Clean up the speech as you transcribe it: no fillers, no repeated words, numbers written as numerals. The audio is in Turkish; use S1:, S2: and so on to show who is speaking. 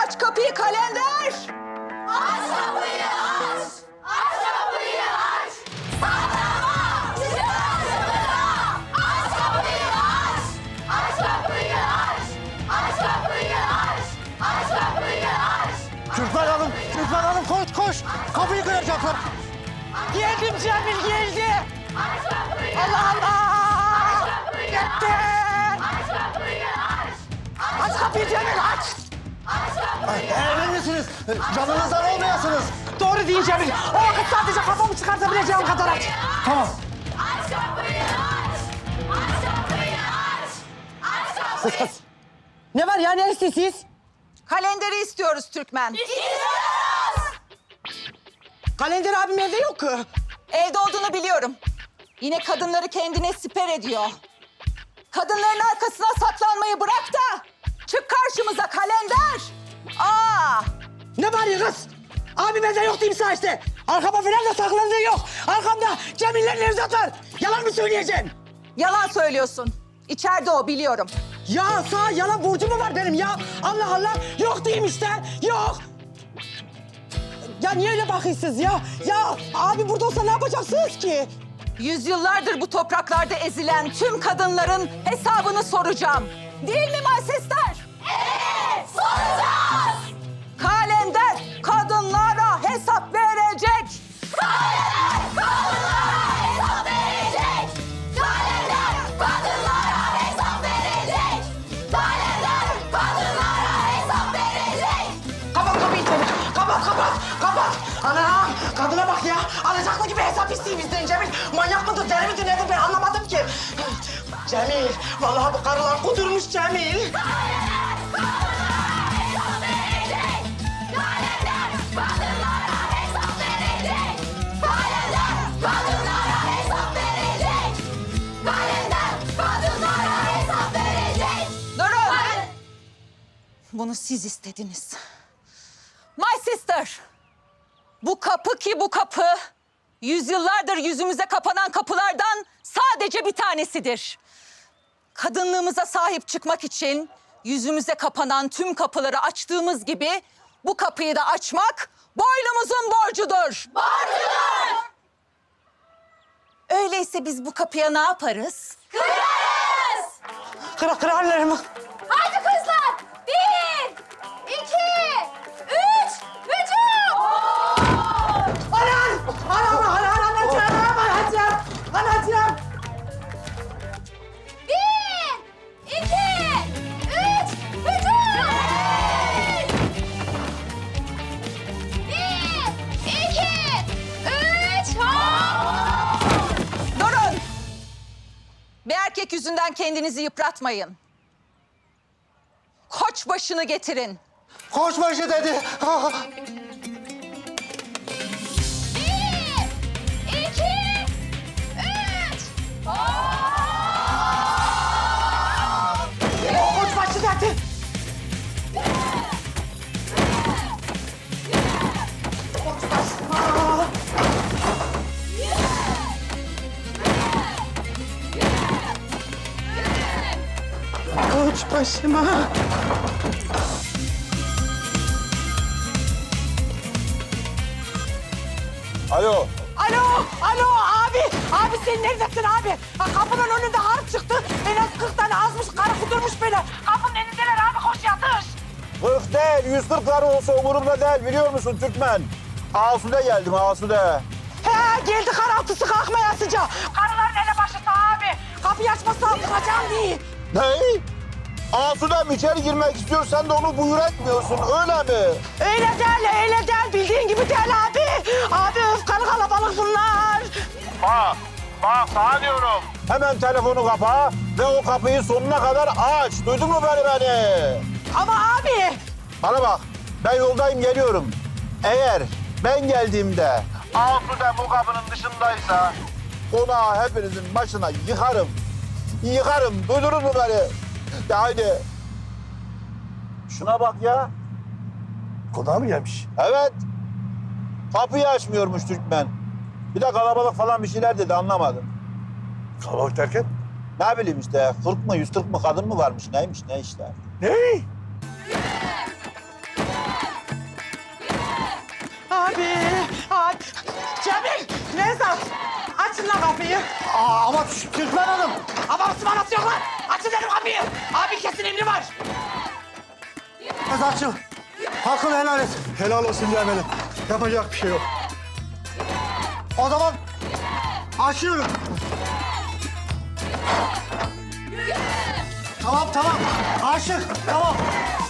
S1: Aç kapıyı kalender.
S2: Aç kapıyı aç! Aç kapıyı aç! Saklama! Çık karşımıza! Aç kapıyı aç! Aç kapıyı aç! Aç kapıyı aç! Aç kapıyı aç!
S3: Türkmen Hanım koş koş. Kapıyı kıracaklar.
S1: Geldim Cemil geldi.
S2: Aç kapıyı
S1: Allah Allah.
S2: Gitti! Aç kapıyı aç!
S1: Aç kapıyı Cemil aç.
S3: Emin misiniz? Canınızdan olmayasınız.
S1: Doğru değil Cemil. O vakit sadece kafamı çıkartabileceğim kadar aç.
S3: Tamam.
S2: Aç kapıyı aç! Aç kapıyı aç! Aç kapıyı
S1: Ne var ya ne istiyorsunuz? Kalenderi istiyoruz Türkmen.
S2: İstiyoruz!
S1: Kalender abim evde yok ki. Evde olduğunu biliyorum. Yine kadınları kendine siper ediyor. Kadınların arkasına saklanmayı bırak da çık karşımıza kalender. Aa! Ne var ya kız? Abim evde yok diyeyim sana işte. Arkama falan da saklandığı yok. Arkamda Cemil'le Nevzat var. Yalan mı söyleyeceksin? Yalan söylüyorsun. İçeride o biliyorum. Ya sağ yalan borcu mu var benim ya? Allah Allah. Yok diyeyim işte. Yok. Ya niye öyle bakıyorsunuz ya? Ya abi burada olsa ne yapacaksınız ki? Yüzyıllardır bu topraklarda ezilen tüm kadınların hesabını soracağım. Değil mi Malsesler?
S2: Evet! Soracağız!
S1: Kalender kadınlara hesap verecek.
S2: Kalender kadınlara hesap verecek! Kalender kadınlara hesap verecek! Kalender kadınlara hesap verecek!
S1: Kapat kapıyı Cemil. Kapat. Anam kadına bak ya. Alacaklı gibi hesap istiyor bizden Cemil. Manyak mıdır, deli midir, nedir ben anlamadım ki. Cemil, vallahi bu karılar kudurmuş Cemil.
S2: Kalender kadınlara hesap verecek! Kalender kadınlara hesap verecek! Kalender kadınlara hesap verecek! Kalender kadınlara hesap verecek!
S1: Durun. Bunu siz istediniz. My sister. Bu kapı ki bu kapı, yüzyıllardır yüzümüze kapanan kapılardan sadece bir tanesidir. Kadınlığımıza sahip çıkmak için yüzümüze kapanan tüm kapıları açtığımız gibi bu kapıyı da açmak boynumuzun borcudur.
S2: Borcudur!
S1: Öyleyse biz bu kapıya ne yaparız?
S2: Kırarız!
S1: Kırarlar mı?
S2: Hadi kızlar! 1, 2, 3, hücum!
S1: Anacığım.
S2: 1, 2, 3, hücum! 1, 2, 3, hop!
S1: Durun. Bir erkek yüzünden kendinizi yıpratmayın. Koç başını getirin.
S3: Koçbaşı dedi.
S2: 1, 2, 3, hop!
S1: Koç başı dedi. Koç başına. Koç başıma.
S4: Alo.
S1: Alo abi. Abi sen neredesin abi? Ha, kapının önünde harp çıktı. En az 40 tane azmış karı kudurmuş beni. Kapının önündeler abi koş yatış.
S4: 40 değil, 140 karı olsa umurumda değil biliyor musun Türkmen? Asude geldim, Asude.
S1: He geldi karaltısı kalkmaya sıcağı. Karıların elebaşısı abi. Kapıyı açmazsa vuracağım diye.
S4: Ne? Asude'm içeri girmek istiyor, sen de onu buyur etmiyorsun, öyle mi?
S1: Öyle değil bildiğin gibi değil abi. Abi öfkalı kalabalık bunlar.
S4: Bak sana diyorum. Hemen telefonu kapa ve o kapıyı sonuna kadar aç. Duydun mu beni?
S1: Ama abi.
S4: Bana bak, ben yoldayım geliyorum. Eğer ben geldiğimde Asude bu kapının dışındaysa konağı hepinizin başına yıkarım. Duydunuz mu beni? De haydi. Şuna bak ya.
S3: Konağa mı gelmiş?
S4: Evet. Kapıyı açmıyormuş Türkmen. Bir de kalabalık falan bir şeyler dedi anlamadım.
S3: Kalabalık derken?
S4: Ne bileyim işte 40 mı 140 mı kadın mı varmış neymiş ne işte.
S3: Ne? Abi! Ay. Cemil! Nevzat! Açın lan kapıyı. Ama Türkmen Hanım. Ama ısmarası yok lan. Açın dedim kapıyı. Abi kesin emri var. Nevzatçığım. Hakkını helal et.
S5: Helal olsun Cemil'im. Yapacak bir şey yok.
S3: O zaman açıyorum. Tamam. Aşık. Tamam.